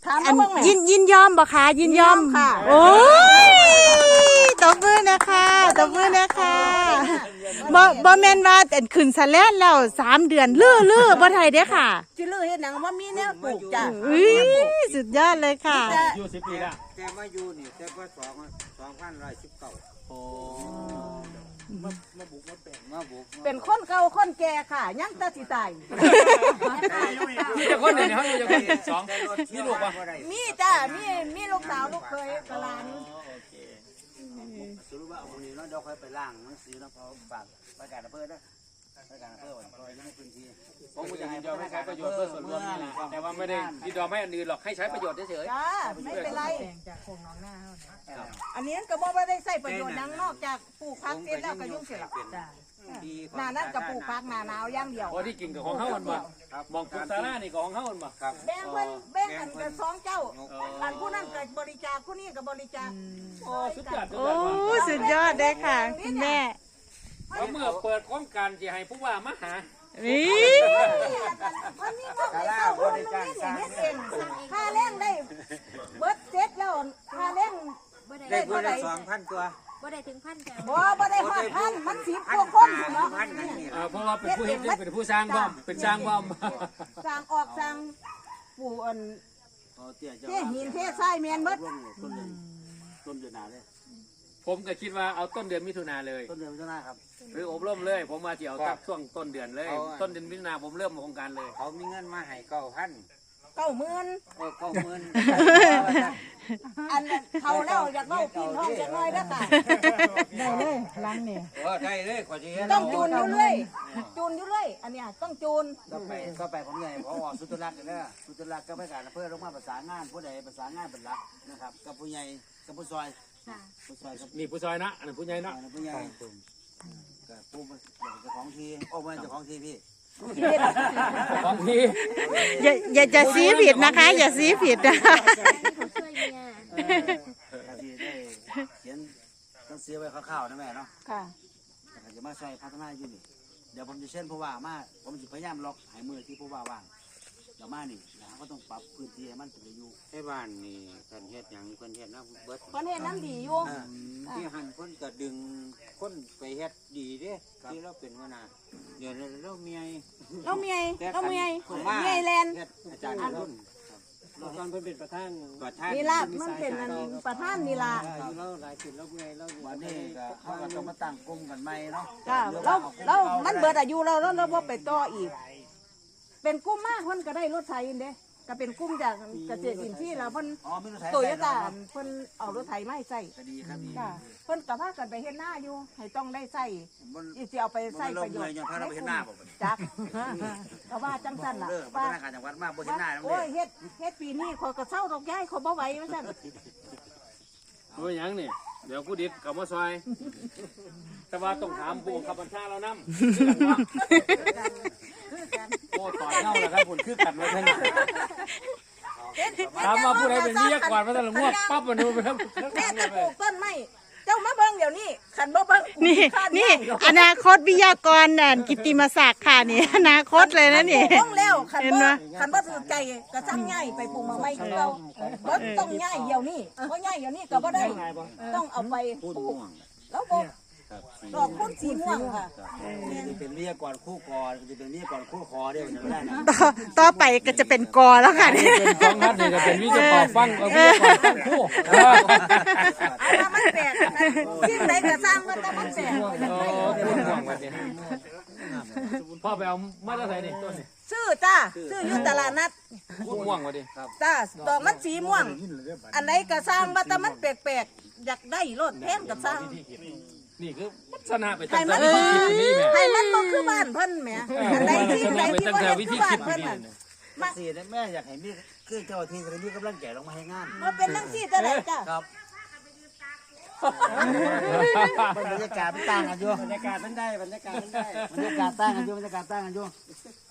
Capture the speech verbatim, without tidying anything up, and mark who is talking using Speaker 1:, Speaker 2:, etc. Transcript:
Speaker 1: อันยินยินยอมบ่คะยินยอมค่ะโอ้ยตบมือนะคะตบมือนะคะบ่บ่แม่นว่าแต่ขึ้นสะแลนแล้วสามเดือนลื้อลื้อบ่ไทยเด้อค่ะ
Speaker 2: จิลือเฮ็ดหนังว่ามีแนวปลูกจ้ะ
Speaker 1: อุ้ยสุดยอดเลยค่ะ
Speaker 3: อยู่สิบปีแล้ว
Speaker 4: แต่มาอยู่นี่แต่ว่าสองสองพันร้อยสิบเก้า
Speaker 3: โอ้มามาบุกมาแปลง
Speaker 4: มาบุก
Speaker 2: เป็นคนเก่าคนแก่ค่ะยังแตาสิตาย
Speaker 3: มีแต่คนเดียวเขาอยู่จะคนสองมีลูกปะ
Speaker 2: มีจ้ะมีมีลูกสาวลูกเคยกะหลาน
Speaker 4: สรุปว่าเอาคนนี้เราเดี๋ยวค่อยไปล่างหนังสือแล้วเขาฝากประกาศอำเภอนะประกาศอำเภอวันคอยอยู่ในพื้นที่
Speaker 3: ผมก็จะยินยอมให้ใช้ประโยชน์เพื่อส่วนรวมนี่แหละแต่ว่าไม่ได้ยินยอมให้อันอื่นหรอกให้ใช้ประโยชน์เฉย
Speaker 2: จ้าไม่เป็นไรอันนี้ก็บ่ได้ใส่ประโยชน์หยังนอกจากปลูกพักเสร็จแล้วก็ยุ่งเสร็จแล้วหน้านั้นก็ปลูกพักหน้าหนาวอย่างเดียว
Speaker 3: ๆพอที่กินกับของเขามันบ่มองคุณซาร่านี่กับของเขามันบ่
Speaker 4: ครับ
Speaker 2: แบ่งเพิ่นแบ่งกันกันสองเจ้าอันผู้นั้นก็บริจาคผู้นี้ก็บริจาค
Speaker 3: โอ้สุดยอดสุด
Speaker 1: โอ้
Speaker 3: ยอด
Speaker 1: สุดยอดเลยค่ะคุณแม่
Speaker 3: แล้วเมื่อเปิดโครงการจะให้ผู้ว่ามาหา
Speaker 1: นี่
Speaker 2: มันมีพวกนี้เข้าคนนึงนี่เฮ็ดเองค่าแรงได้เบิดเสร็จแล้วค่าแรง
Speaker 4: ได้เพื่อนสองพันตัว
Speaker 5: บ่ได้ถึงพันแต่
Speaker 2: บ่บ่ได้ฮอดพันมันสิบกว่าคนอยู่เนาะ
Speaker 4: พันนั่นนี่
Speaker 3: เออเพราะว่าเป็นผู้เฮ็ดเป็นผู้สร้างบ้อมเป็นสร้างบ้อม
Speaker 2: สร้างออกสร้างปู่อัน
Speaker 4: เตี้ย
Speaker 2: เทหินเททรายแม่นเบิด
Speaker 4: ต้นเดือนต้นเดือนหนาเลย
Speaker 3: ผมก็คิดว่าเอาต้นเดือนมิถุนาเลย
Speaker 4: ต้นเดือนมิถุนาครับ
Speaker 3: หรืออบรมเลย ผมมาเที่ยวตักช่วงต้นเดือนเลย ต้นเดือนมิถุนาผมเริ่มโครงการเลย
Speaker 4: เขามีเงินมาให้เก้าพัน
Speaker 2: เก้าหมื่น
Speaker 4: โอ้เก้าหมื่น
Speaker 2: อันนั้นเขาแล้วอยากเว้าปีนห้องจักหน่อยเด้อค่ะได้เลยหลังนี่
Speaker 4: เออได้เลยกว่าจะเห็น
Speaker 2: ต้องจูนอยู่เรื่อยจูนอยู่เรื่อยอันเนี้ยต้องจูน
Speaker 4: ก็ไปก็ไปผมใหญ่พอสุตรักษ์กันเด้อสุตรักษ์ก็ไปการอำเภอลงมาประสานงานผู้ใดประสานงานเป็นหลักนะครับกับผู้ใหญ่กับผู้ซอยผู้ซอยกับ
Speaker 3: นี่ผู้ซอยนะอันนั้นผู้ใหญ่นะ
Speaker 4: ผู้ใหญ่กับผู้เจ้าของทีโอ้ไม่เจ้าของทีพี่
Speaker 3: ของที
Speaker 1: อย่าอย่าจะซีผิดนะคะ อย่าซีผิดนะ
Speaker 5: เขาช่วยเมีย
Speaker 4: ทีได้เขียนต้องเสียไว้คร่าวๆนะแม่เนาะ
Speaker 2: ค่ะ
Speaker 4: แต่จะมาช่วยพัฒนาอยู่นี่เดี๋ยวผมจะเช่นผู้ว่ามาผมจะพยายามล็อกหายมือที่ผู้ว่าว่างเดี๋ยวมานี่แล้วก็ต้องปรับพื้นที่ให้มันเป็นอยู่ให้บ้านนี่คนเฮ็ดอย่างคนเฮ็ดนะเบิด
Speaker 2: คนเฮ็ดน้ำดีอยู่
Speaker 4: ที่หันคนก็ดึงคนไปเฮ็ดดีเด้ที่เราเป็นหัวหน้าเดี๋ยวเราเมีย
Speaker 2: เราเมียเราเมีย
Speaker 4: ผมว่า
Speaker 2: เมียแลนด์
Speaker 4: เฮ็ดอาจารย์รุ่น
Speaker 3: ตอนเพิ่นเป็นประธาน
Speaker 4: ประธาน
Speaker 2: นี่ล่ะมันเป็นอันประธานนี่ล่ะ
Speaker 3: เราหลายสิ่งเราเมื่อยเรา
Speaker 4: วันนี้ก็เขาก็ต้องมาตั้งกลุ่มกันใหม่เนาะ
Speaker 2: จ้าเราเรามันเบิดอายุเราเราเราบ่ไปต่ออีก เป็นกุ้มมากเพิ่นก็ได้รถไถเด้ก็เป็นกุ้มจากเกษตรอินทรีย์แล้วเพิ่น
Speaker 4: อ๋อไม่ต้องใช้
Speaker 2: โตโยต้าเพิ่นเอารถไถมาให้ใส่
Speaker 4: ก็ดีครับดี
Speaker 2: จ้าเพิ่นก็พากันไปเฮ็ดหน้าอยู่ให้ต้องได้ใส่
Speaker 4: มัน
Speaker 2: อีสิเอาไปใส่ประโยชน์
Speaker 4: ย้อนพาเราไปเฮ็ดหน้าบ่บัดนี้
Speaker 2: จักก็ว่าจังซั่นล่ะ
Speaker 4: เลิกพั
Speaker 2: ว่า
Speaker 4: ฒนาการจังหวัดมาบ่เฮ็ดหน้าแล้ว
Speaker 2: โอ้
Speaker 4: เด้
Speaker 2: ยเฮ็ดเฮ็ดปีนี้ขอยก็เศร้าดอกย้ายขอยบ่ไหวว่าซั่น
Speaker 3: ตัวยังนี่เดี๋ยวกูดิดกับมาซอย แต่ว่าต้องถามผู้ขับบัญชาเรานำโอ้ต่อยเน่าแล้วครับผลคือกันมาทั้งถามว่าผู้ใดเป็นวิทยากรมาตั้งแต่งวดปั๊บมาดูไปแล้ว
Speaker 2: แม่จะปลูกต้นไม้เจ้ามาเบิ่งเดี๋ยวนี้คันบ่เบิ่ง
Speaker 1: นี่นี่อนาคตวิทยากรน่ะกิตติมศักดิ์ค่ะนี่อนาคตเลยนะนี่
Speaker 2: ปลูกต้องแล้วคัน
Speaker 1: เห็น
Speaker 2: บ่
Speaker 1: ไหม
Speaker 2: คันบ่ถือใจก็สั่งย้ายไปปลูกมาใหม่คือเราบ่ต้องย้ายเดี๋ยวนี้บ่ย้ายเดี๋ยวนี้ก็บ่ได้ต้องเอาไปป
Speaker 4: พูด
Speaker 2: ลูก
Speaker 4: ม่วง
Speaker 2: แล้วบ่ดอกพุ่นสีม่วงค่ะ
Speaker 4: จะเป็นวิทยากรคู่กรจะเป็นวิทยากรคู่คอเด้มันได้นะ
Speaker 1: ต่อต่อไปก็จะเป็นกอแล้วค่ะนี่
Speaker 3: เป็นของนัดนี่ก็เป็นวิทยากรฟังวิทยากรฟังคู่
Speaker 2: เอามามันแปลกนะสิ่งใดก็สร้างมันแต่มันแปลก
Speaker 3: โอ้พูดห่วงวันนี้พ่อไปเอามาตรฐานนี่ต้นนี่
Speaker 2: ซื้อจ้าซื้ออยู่ตลาดนัด
Speaker 3: พูดห่วงวันนี้
Speaker 2: จ้าดอกมันสีม่วง อันไหนก็สร้างว่าแต่มันแปลกๆอยากได้รถแพงก็สร้าง
Speaker 3: นี่คือลักษณะไปตั้งแต่วิธีคิดนี่แม่
Speaker 2: ให้มันบ่คือบ้านเพิ่นแหมอันใดที่ใดที่บ่
Speaker 3: ตั้งแต่
Speaker 2: เฮ็ด
Speaker 3: วิ
Speaker 2: คื
Speaker 3: ธี
Speaker 2: อบ้า
Speaker 3: คิ
Speaker 2: น
Speaker 3: ด
Speaker 2: เพิ่น
Speaker 3: นี่
Speaker 2: น่ะ
Speaker 4: มาสีแม่อยากให้มีคือเจ้าที่จะมีกำลังแก่ลงมาให้งาน
Speaker 2: บ่เป็นจังซี่แต่ใดจ้า
Speaker 4: ครับบรรยากาศมันต่างกันอยู่บรรยากาศมันได้บรรยากาศมันได้บรรยากาศต่างกันอยู่บรรยากาศต่างกันอยู่